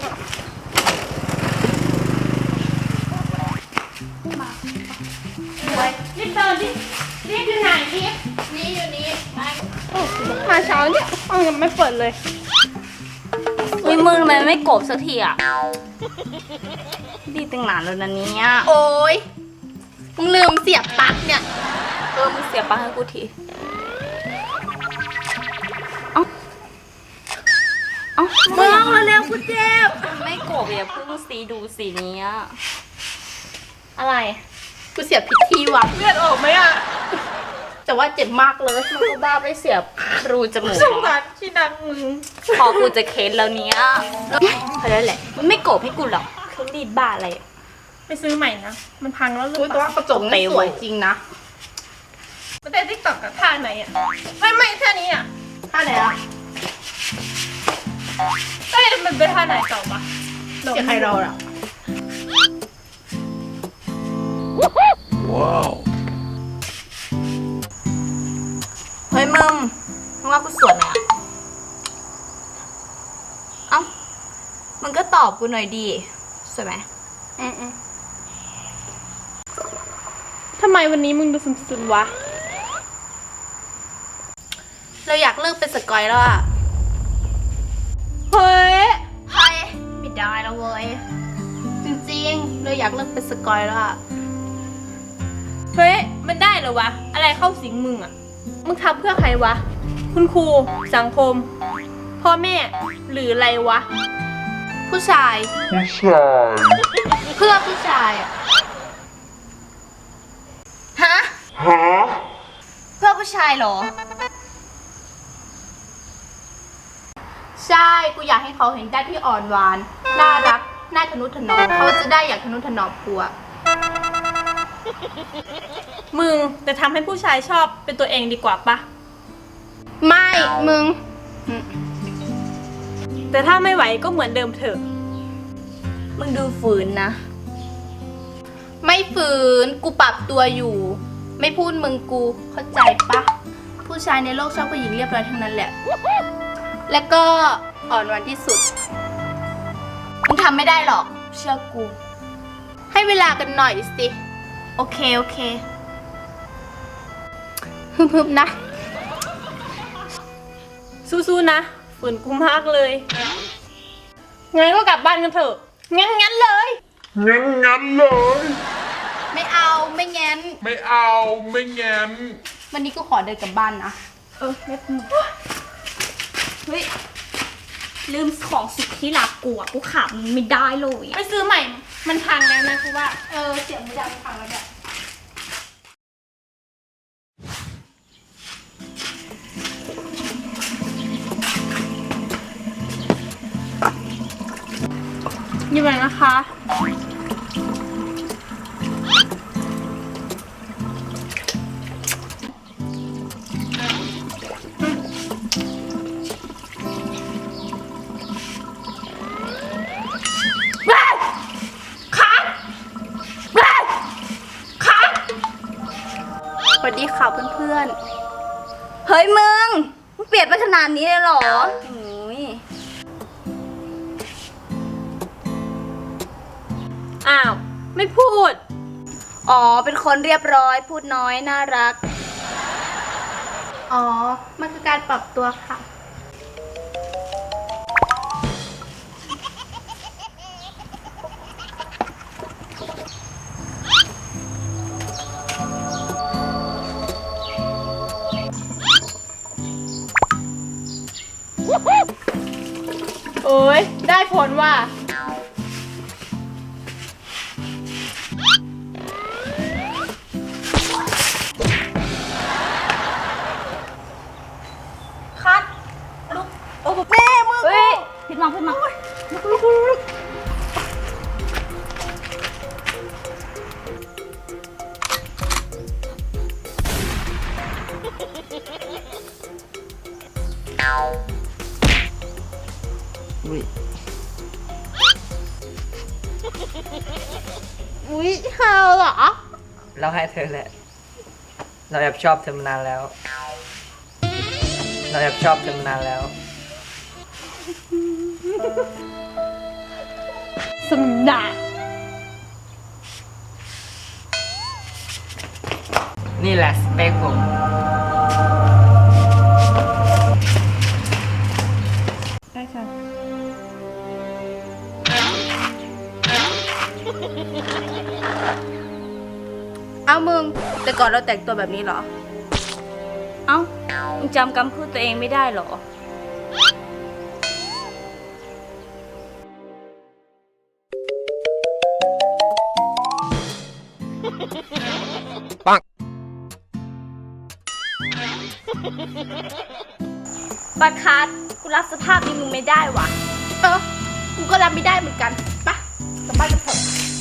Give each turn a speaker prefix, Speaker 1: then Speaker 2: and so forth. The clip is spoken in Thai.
Speaker 1: รีบเดินดิรีบอยู่ไหนรีบนี่อยู่นี่มาเช้าเนี่ยห้องยังไม่เปิดเลย
Speaker 2: อุ้ยมึงทำไมไม่กบสักทีอ่ะดีตั้งนานแล้วนะเนี่ย
Speaker 1: โอ้ยมึงลืมเสียบปลั๊กเนี่ย
Speaker 2: มึงเสียปลั๊กให้กูทีเอ้า
Speaker 1: มึงมาเร็วกูเจ็บ
Speaker 2: ไม่กบอย่าเพิ่งสีดูสีนี้
Speaker 1: อะไรกูเสียบผิดที่ว่ะเลือดออกไหมอ่ะแต่ว่าเจ็บมากเลย
Speaker 2: มันก็บ้าไปเสียบรูจมูก
Speaker 1: สงสารที่ดังมึง
Speaker 2: พอกูจะเคสแล้วเนี้ยเพราะนั่นแหละมันไม่โกบให้กูหรอกเครื่องรีดบ้าอะไร
Speaker 1: ไปซื้อใหม่นะมันพังแล้วหรือเปล่าตัวกระจกนี่สวยจริงนะมันได้ติ๊กต็อกกับท่าไหนอ่ะไม่ท่านี้อ่ะท่าไหนอ่ะเอ้ยมันเป็นท่าไหนต่อปะเสียใครเราอ่ะ
Speaker 3: ว้าว
Speaker 2: เฮ้ยมึงว่ากูสวยไหมเอ้ามึงก็ตอบกูหน่อยดีสวยไหม
Speaker 1: ทำไมวันนี้มึงดูซึมๆวะเราอยากเลิกเป็นสกอยแล้วอะเฮ้ยไม่ได้แล้วเว้ยจริงๆเราอยากเลิกเป็นสกอยแล้วอะเฮ้ยมันได้เหรอวะอะไรเข้าสิงมึงอะมึงทำเพื่อใครวะคุณครูสังคมพ่อแม่หรืออะไรวะผู้ชายเพื่อผู้ชายอะฮะเพื่อผู้ชายเหรอใช่กูอยากให้เขาเห็นได้ที่อ่อนหวานน่ารักน่าทนุถนอมเขาจะได้อยากทนุถนอมกูอะมึงแต่ทำให้ผู้ชายชอบเป็นตัวเองดีกว่าปะไม่มึงแต่ถ้าไม่ไหวก็เหมือนเดิมเถอะ
Speaker 2: มึงดูฝืนนะ
Speaker 1: ไม่ฝืนกูปรับตัวอยู่ไม่พูดมึงกูเข้าใจปะผู้ชายในโลกชอบผู้หญิงเรียบร้อยทั้งนั้นแหละแล้วก็อ่อนหวานที่สุดมึงทำไม่ได้หรอกเชื่อกูให้เวลากันหน่อยสิโอเคฮึบๆนะสู้ๆนะฝืนกูมากเลยงั้นก็กลับบ้านกันเถอะงั้นเลยไม่เอาไม่งั้นวันนี้กูขอเดินกลับบ้านนะไม่เป็น
Speaker 2: เฮ้ยลืมของสุดที่รักกูอ่ะกูขาดมันไม่ได้เลย
Speaker 1: ไปซื้อใหม่มันพังแล้วนะกูว่าเสียงไม่ดังพังแล้วเนี่ยอยู่ไหนนะคะสวัสดีค่ะเพื่อน
Speaker 2: ๆเฮ้ยมึงเปลี่ยนไปขนาดนี้เลยเหรอ
Speaker 1: อ้าวไม่พูด
Speaker 2: อ๋อเป็นคนเรียบร้อยพูดน้อยน่ารัก
Speaker 1: อ๋อมันคือการปรับตัวค่ะโอ้ยได้ผลว่ะคัดลุกโอ้แม่มือ
Speaker 2: ขึ้นมา
Speaker 1: ลุกอุ้ยเธอเหรอ
Speaker 4: เราให้เธอแหละเราแอบชอบเธอมานานแล้ว
Speaker 2: สมนา
Speaker 4: นี่แหละสเปคผม
Speaker 2: ได้ค่ะ
Speaker 1: เอามึง แต่ก่อนเราแต่งตัวแบบนี้เหรอ
Speaker 2: เอ้ามึงจำคำพูดตัวเองไม่ได้เหรอ ปัดคัดกูรับสภาพนี้มึงไม่ได้วะ
Speaker 1: เออ กูก็รับไม่ได้เหมือนกันไปะกลับบ้านกันเถอะ